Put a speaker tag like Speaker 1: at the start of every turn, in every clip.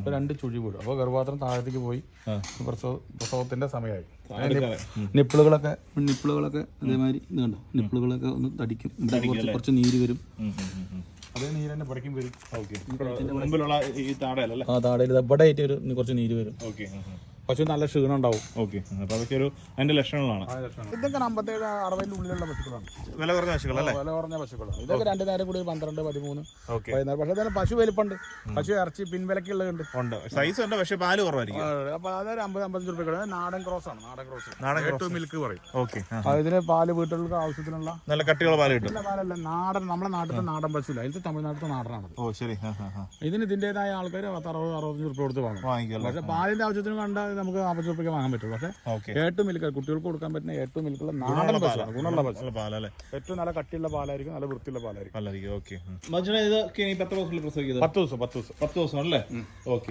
Speaker 1: ഇപ്പോൾ 2 ചുഴി വീഴും. അപ്പോൾ ഗർഭപാത്രം താഴത്തേക്ക് പോയി പ്രസവത്തിന്റെ സമയമായി. നിപ്പിളുകളൊക്കെ അതേമാതിരി ഇത് കണ്ടോ, നിപ്പിളുകളൊക്കെ ഒന്ന് തടിക്കും, കുറച്ച് നീര് വരും. അതേ നീര് തന്നെ പഠിക്കും വരും. താടയിൽ ഇവിടെ ആയിട്ട് കുറച്ച് നീര് വരും. പശു നല്ല ക്ഷീണം ഉണ്ടാവും.
Speaker 2: അതിന്റെ ലക്ഷണങ്ങളാണ്
Speaker 1: ഇതൊക്കെ 57-60 ഉള്ളിലുള്ള പശുക്കളാണ്.
Speaker 2: വില കുറഞ്ഞ പശുക്കളല്ലേ?
Speaker 1: വില കുറഞ്ഞ പശുക്കളാണ്. ഇതൊക്കെ 2 നേരം കൂടി 12, 13, 14. പക്ഷെ അതിന് പശു വലിപ്പുണ്ട്, പശു ഇറച്ചി പിൻവിലക്കുള്ളതുണ്ട്.
Speaker 2: സൈസ് ഉണ്ട്, പക്ഷെ പാല് കുറവായിരിക്കും.
Speaker 1: അപ്പൊ അതൊരു 50-55 രൂപ. നാടൻ ക്രോസ് ആണ്. നാടൻ ക്രോസ് മിൽക്ക് പറയും. ഇതിന് പാല് വീട്ടുകൾക്ക് ആവശ്യത്തിനുള്ള
Speaker 2: നല്ല കട്ടിയുള്ള പാല് കിട്ടും.
Speaker 1: പാലല്ല, നാടൻ, നമ്മുടെ നാട്ടിലത്തെ നാടൻ പശുല്ല, ഇതിൽ തമിഴ്നാട്ടിലത്തെ നാടനാണ്. ഇതിന് ഇതിന്റേതായ ആൾക്കാർ 60-65 രൂപ കൊടുത്ത് വാങ്ങും. പക്ഷെ പാലിന്റെ ആവശ്യത്തിന് കണ്ട നമുക്ക് 40 രൂപയ്ക്ക് വാങ്ങാൻ പറ്റും. പക്ഷെ ഏറ്റവും മിൽക്ക് കുട്ടികൾക്ക് കൊടുക്കാൻ പറ്റുന്ന ഏറ്റവും മിൽക്കുള്ള നാടൻ പശു, ഗുണമുള്ള പശു. ഏറ്റവും നല്ല കട്ടിയുള്ള പാലായിരിക്കും, നല്ല വൃത്തിയുള്ള പാലായിരിക്കും. 10 ദിവസം
Speaker 2: അല്ലേ? ഓക്കെ.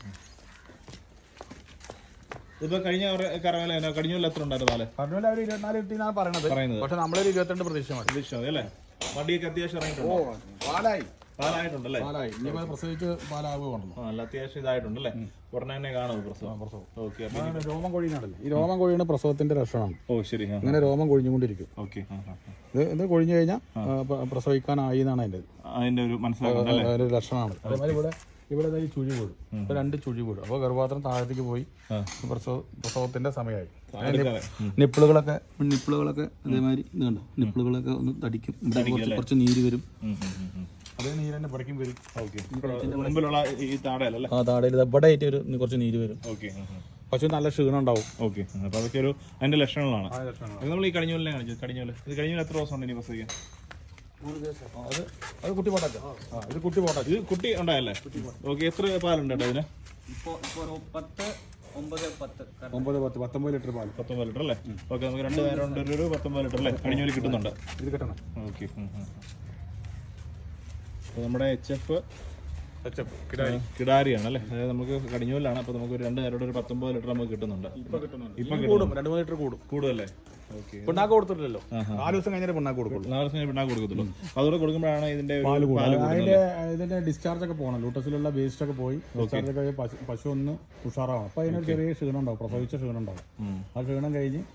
Speaker 2: ഇപ്പൊ കഴിഞ്ഞ കഴിഞ്ഞ എത്ര ഉണ്ടായിരുന്നു പാല്?
Speaker 1: കഴിഞ്ഞ 24 കിട്ടിയെന്നാണ് പറയുന്നത്. പക്ഷെ നമ്മളൊരു 22 പ്രതീക്ഷ മതി
Speaker 2: അല്ലേ? വണ്ടിയൊക്കെ അത്യാവശ്യം പാലായിട്ടുണ്ടല്ലേ?
Speaker 1: പ്രസവിച്ച് പാലാകുകയാണല്ലോ.
Speaker 2: നല്ല അത്യാവശ്യം ഇതായിട്ടുണ്ടല്ലേ? ഉടനെ തന്നെ കാണും പ്രസവം.
Speaker 1: രോമം കൊഴിയുന്നുണ്ടല്ലോ, ഈ രോമം കൊഴിയുന്ന പ്രസവത്തിന്റെ ലക്ഷണമാണ്.
Speaker 2: ശരി.
Speaker 1: ഇങ്ങനെ രോമം കൊഴിഞ്ഞുകൊണ്ടിരിക്കും. ഇത് കൊഴിഞ്ഞു കഴിഞ്ഞാൽ പ്രസവിക്കാനായി എന്നാണ് അതിന്റെ ഒരു ലക്ഷണമാണ്. അതേമാതിരി ഇവിടെ ഈ ചുഴി വീഴും. ഇപ്പോൾ 2 ചുഴി വീഴും. അപ്പോൾ ഗർഭപാത്രം താഴത്തേക്ക് പോയി പ്രസവത്തിന്റെ സമയമായി. നിപ്പിളുകളൊക്കെ അതേമാതിരി ഇത് കണ്ടോ, നിപ്പിളുകളൊക്കെ ഒന്ന് തടിക്കും, കുറച്ച് നീര് വരും. അതേ നീര് തന്നെ പഠിക്കും വരും. താടയിൽ ഇവിടെ ആയിട്ട് കുറച്ച് നീര് വരും. പശു നല്ല ക്ഷീണം ഉണ്ടാവും.
Speaker 2: അതിന്റെ ലക്ഷണങ്ങളാണ് നമ്മൾ ഈ കഴിഞ്ഞൂലിനെ കാണിച്ചത്. കഴിഞ്ഞൂല് എത്ര ദിവസം ഉണ്ട് ഇനി പ്രസവിക്കാൻ?
Speaker 1: അത് കുട്ടി പോട്ടാ. ഇത് കുട്ടി
Speaker 2: ഉണ്ടായല്ലേ? എത്ര പാലുണ്ട് കേട്ടോ ഇതിന്?
Speaker 1: 19 ലിറ്റർ പാല്.
Speaker 2: 19 ലിറ്റർ അല്ലേ? ഓക്കെ, നമുക്ക് 2 നേരം കൊണ്ട് ഒരു 19 ലിറ്റർ അല്ലേ കഴിഞ്ഞൂല് കിട്ടുന്നുണ്ട്.
Speaker 1: ഇത് കിട്ടണം.
Speaker 2: ഓക്കെ. നമ്മുടെ HF കിടാരിയാണ് അല്ലേ? അതായത് നമുക്ക് കടിഞ്ഞൂലാണ്. അപ്പൊ നമുക്ക് 2 നേരം ഒരു 19 ലിറ്റർ നമുക്ക് കിട്ടുന്നുണ്ട്.
Speaker 1: ഇപ്പൊ കൂടും, 2-3 ലിറ്റർ
Speaker 2: കൂടുതലല്ലേ?
Speaker 1: പിണ്ണാക്ക് കൊടുത്തിട്ടില്ലല്ലോ, 4 ദിവസം കഴിഞ്ഞാൽ പിണ്ണാക്ക് കൊടുക്കുള്ളൂ.
Speaker 2: 4 ദിവസം കഴിഞ്ഞ് പിണ്ണാക്ക് കൊടുക്കത്തുള്ളൂ. അതോടെ കൊടുക്കുമ്പോഴാണ് ഇതിന്റെ
Speaker 1: ഇതിന്റെ ഡിസ്ചാർജ് ഒക്കെ പോകണം. ലൂട്ടസിലുള്ള വേസ്റ്റ് ഒക്കെ പോയി ഡിസ്ചാർജ് ഒക്കെ പശു ഒന്ന് ഉഷാറാവും. അപ്പൊ അതിനൊരു ചെറിയ ക്ഷീണം ഉണ്ടാവും, പ്രസവിച്ച ക്ഷീണം ഉണ്ടാവും. ആ ക്ഷീണം കഴിഞ്ഞ്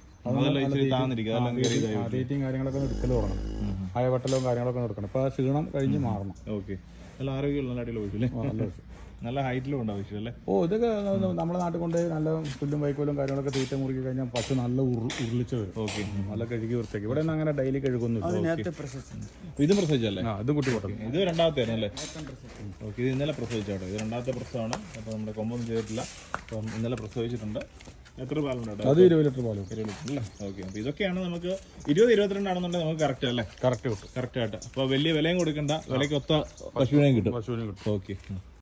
Speaker 1: ഡേറ്റിങ് കാര്യങ്ങളൊക്കെ എടുക്കൽ തുടങ്ങണം. അയവട്ടലും കാര്യങ്ങളൊക്കെ എടുക്കണം. അപ്പൊ ആ ക്ഷീണം കഴിഞ്ഞ് മാറണം.
Speaker 2: നല്ല ആരോഗ്യമുള്ള അടിയിൽ നല്ല ഹൈറ്റിലും ഉണ്ടാവും അല്ലേ?
Speaker 1: ഇതൊക്കെ നമ്മുടെ നാട്ടിൽ കൊണ്ട് നല്ല പുല്ലും വൈക്കോലും കാര്യങ്ങളൊക്കെ തീറ്റ മുറുക്കി കഴിഞ്ഞാൽ പശു നല്ല ഉരുളിച്ച് വരും. നല്ല കഴുകി വൃത്തിയാക്കി. ഇവിടെ നിന്ന് അങ്ങനെ ഡെയിലി കഴുകുന്നു.
Speaker 2: ഇത് പ്രസവിച്ചല്ലേ?
Speaker 1: ഇത് കുട്ടി പൊട്ടം.
Speaker 2: ഇത് 2ാമത്തെ ആയിരുന്നല്ലേ? ഓക്കെ. ഇത് ഇന്നലെ പ്രസവിച്ചാട്ടോ. ഇത് 2ാമത്തെ പ്രസവമാണ്. അപ്പോൾ നമ്മുടെ കൊമ്പൊന്നും ചെയ്തിട്ടില്ല. അപ്പം ഇന്നലെ പ്രസവിച്ചിട്ടുണ്ട്. എത്ര പാലുണ്ട്?
Speaker 1: അത് 20 ലിറ്റർ പാലും.
Speaker 2: 20 ലിറ്റർ അല്ലേ? ഓക്കെ. അപ്പോൾ ഇതൊക്കെയാണ് നമുക്ക് 20-22 ആണെന്നുണ്ടെങ്കിൽ നമുക്ക് കറക്റ്റ് അല്ലേ?
Speaker 1: കറക്റ്റ് കിട്ടും.
Speaker 2: കറക്റ്റായിട്ട്. അപ്പോൾ വലിയ വിലയും കൊടുക്കണ്ട, വിലയ്ക്ക് ഒത്ത പശുവിനെയും കിട്ടും.
Speaker 1: ഓക്കെ.